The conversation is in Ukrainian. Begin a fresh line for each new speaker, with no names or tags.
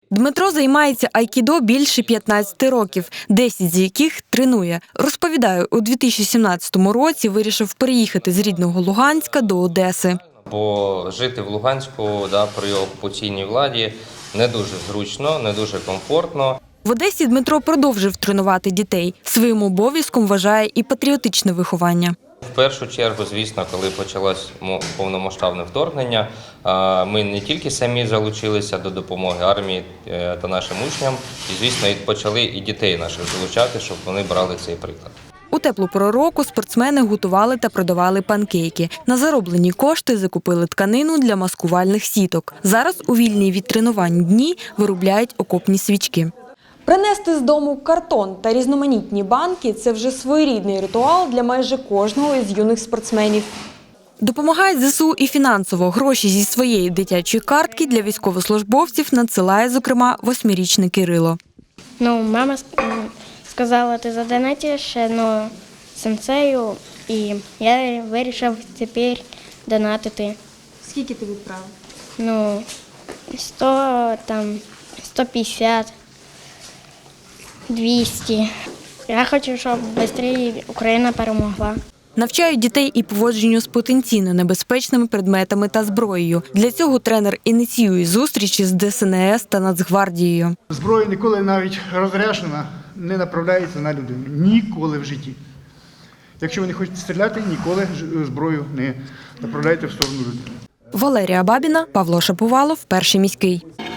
Дмитро займається айкідо більше 15 років, 10 з яких тренує. Розповідає, у 2017 році вирішив переїхати з рідного Луганська до Одеси.
Бо жити в Луганську при окупаційній владі не дуже зручно, не дуже комфортно.
В Одесі Дмитро продовжив тренувати дітей. Своїм обов'язком вважає і патріотичне виховання.
В першу чергу, звісно, коли почалось повномасштабне вторгнення, ми не тільки самі залучилися до допомоги армії та нашим учням, і, звісно, почали і дітей наших залучати, щоб вони брали цей приклад.
У теплу пору року спортсмени готували та продавали панкейки. На зароблені кошти закупили тканину для маскувальних сіток. Зараз у вільні від тренувань дні виробляють окопні свічки. Принести з дому картон та різноманітні банки – це вже своєрідний ритуал для майже кожного із юних спортсменів. Допомагають ЗСУ і фінансово. Гроші зі своєї дитячої картки для військовослужбовців надсилає, зокрема, 8-річний Кирило.
Мама сказала, ти задонатиш сенсею, і я вирішив тепер донатити.
Скільки ти відправив?
150, 200. Я хочу, щоб швидше Україна перемогла.
Навчають дітей і поводженню з потенційно небезпечними предметами та зброєю. Для цього тренер ініціює зустрічі з ДСНС та Нацгвардією.
Зброя ніколи навіть розряджена не направляється на людину. Ніколи в житті. Якщо ви не хочете стріляти, ніколи зброю не направляйте в сторону людини.
Валерія Бабіна, Павло Шаповалов, Перший міський.